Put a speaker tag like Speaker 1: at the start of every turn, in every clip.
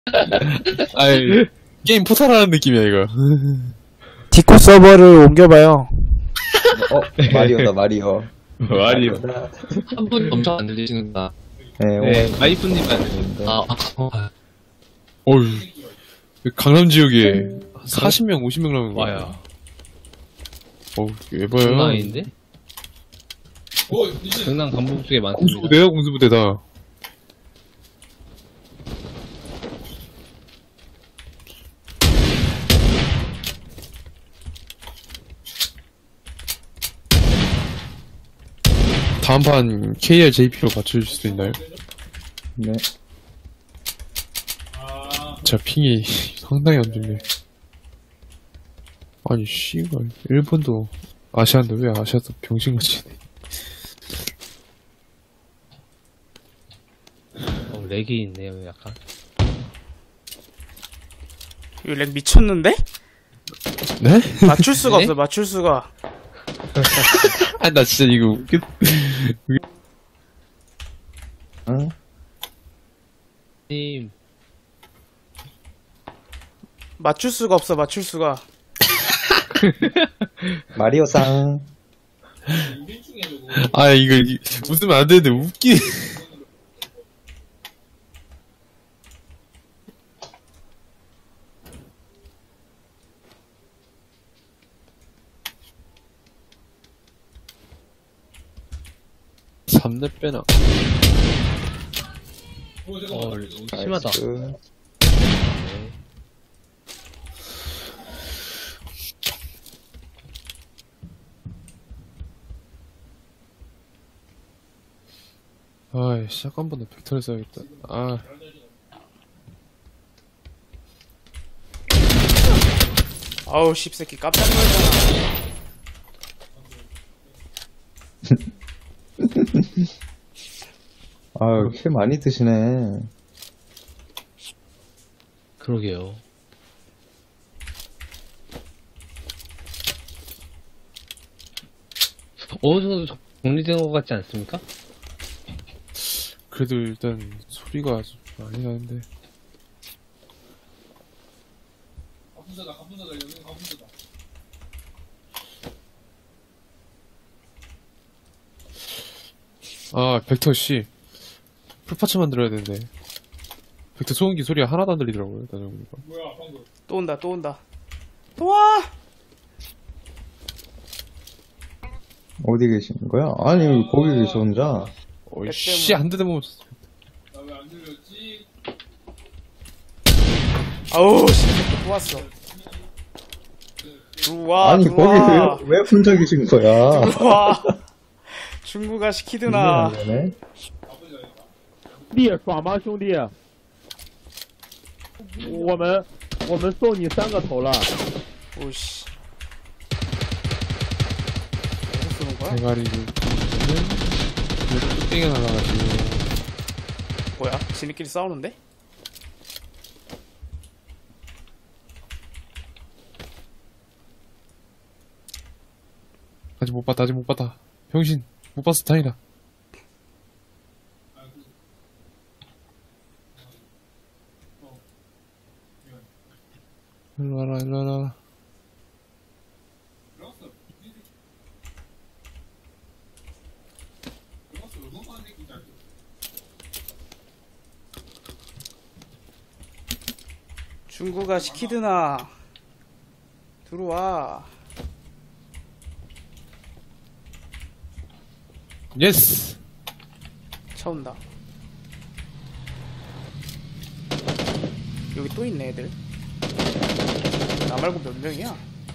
Speaker 1: 아이, 게임 포탈하는 느낌이야, 이거.
Speaker 2: 디코 서버를 옮겨봐요.
Speaker 3: 마리오다, 마리오.
Speaker 1: 말이요.
Speaker 4: 한 분이 엄청 안 들리시는구나.
Speaker 3: 네,
Speaker 1: 네, 와이프님 안 들리는데. 어휴, 강남 지역에 40명, 50명 나오는 거야.
Speaker 4: 와요.
Speaker 1: 어우, 예뻐요.
Speaker 4: 장난 아닌데? 경남 간북 쪽에 많습니다.
Speaker 1: 공수부대야, 공수부대다. 다음 판 KR JP로 맞춰줄 수 있나요?
Speaker 3: 네.
Speaker 1: 자, 핑이 상당히 안 좋네. 아니, 씨발. 일본도 아시아인데 왜 아시아도 병신같이.
Speaker 4: 렉이 있네요, 약간.
Speaker 2: 이거 렉 미쳤는데?
Speaker 1: 네?
Speaker 2: 맞출 수가
Speaker 4: 네?
Speaker 2: 없어, 맞출 수가.
Speaker 1: 아, 나 진짜 이거 웃겨.
Speaker 3: 응?
Speaker 4: 님,
Speaker 2: 맞출 수가 없어, 맞출 수가.
Speaker 3: 마리오상.
Speaker 1: 아, 이거, 웃으면 안 되는데, 웃기. 삼렙 빼나.
Speaker 4: 심하다.
Speaker 3: 나이스.
Speaker 1: 아이, 샷건보다 벡터를 써야겠다. 아.
Speaker 2: 아우, 씹새끼 깜짝 놀랐잖아.
Speaker 3: 아유, 킬 많이 드시네.
Speaker 4: 그러게요. 어느 정도 정리된 것 같지 않습니까?
Speaker 1: 그래도 일단, 소리가 아주 많이 나는데. 아, 벡터 씨. 풀파츠 만들어야 되는데. 벡터 소음기 소리가 하나도 안 들리더라고요, 나중에 보니까.
Speaker 2: 또 온다, 또 온다. 또 와!
Speaker 3: 어디 계시는 거야? 아니, 거기 계셔, 혼자.
Speaker 1: 어이, 씨, 한 대도 못 맞췄어.
Speaker 2: 아우, 씹새끼 또 왔어. 들어와,
Speaker 3: 아니,
Speaker 2: 들어와.
Speaker 3: 거기 왜 혼자 계신 거야?
Speaker 2: 들어와. 중국아 시키드나.
Speaker 3: 네.
Speaker 5: 弟爽吗，兄弟？我们送你3个头了。
Speaker 2: 오씨. 어디서 쏘는 거야?
Speaker 1: 대가리를. 왜 뚝배기가 날아가지고.
Speaker 2: 뭐야? 지네끼리 싸우는데?
Speaker 1: 아직 못 봤다, 아직 못 봤다. 병신, 못 봤어, 다행이다. 일로 와라, 일로 와라.
Speaker 2: 중국아 시키드나. 들어와.
Speaker 1: 예스!
Speaker 2: 차 온다. 여기 또 있네 애들. 나 말고 몇 명이야?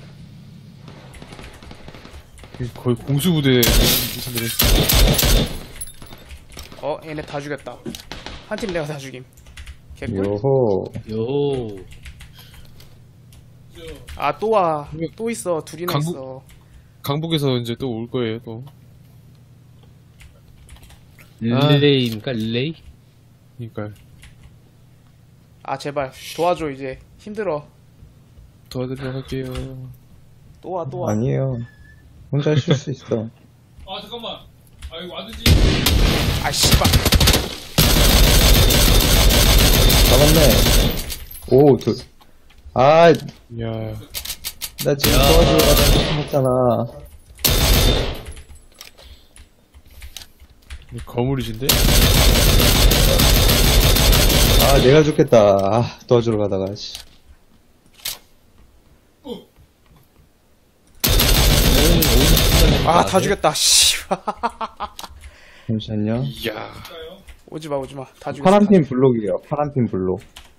Speaker 1: 거의 공수부대 무슨들
Speaker 2: 얘네 다 죽였다. 한 팀 내가 다 죽임. 개꿀.
Speaker 3: 요호.
Speaker 4: 요.
Speaker 2: 아 또 와. 또 있어. 둘이나
Speaker 1: 강북-
Speaker 2: 있어.
Speaker 1: 강북에서 이제 또 올 거예요, 또.
Speaker 4: 릴레이입니까? 릴레이?
Speaker 1: 그니까요.
Speaker 2: 아 제발 도와줘 이제. 힘들어.
Speaker 1: 도와드리러 갈게요.
Speaker 2: 또 와 또 와.
Speaker 3: 아니에요. 혼자 하실 수 있어.
Speaker 6: 아 잠깐만. 아 이거 와드지.
Speaker 2: 아 씨발.
Speaker 3: 잡았네. 오, 아,
Speaker 1: 야,
Speaker 3: 나 지금 도와주려고 했잖아.
Speaker 1: 거물이신데?
Speaker 3: 아, 내가 죽겠다. 아, 도와주러 가다가, 씨.
Speaker 2: 아, 다 죽였다. 씨.
Speaker 3: 잠시만요.
Speaker 1: 이야.
Speaker 2: 오지마, 오지마. 다 죽였어.
Speaker 3: 파란핀 블록이에요. 파란핀 블록.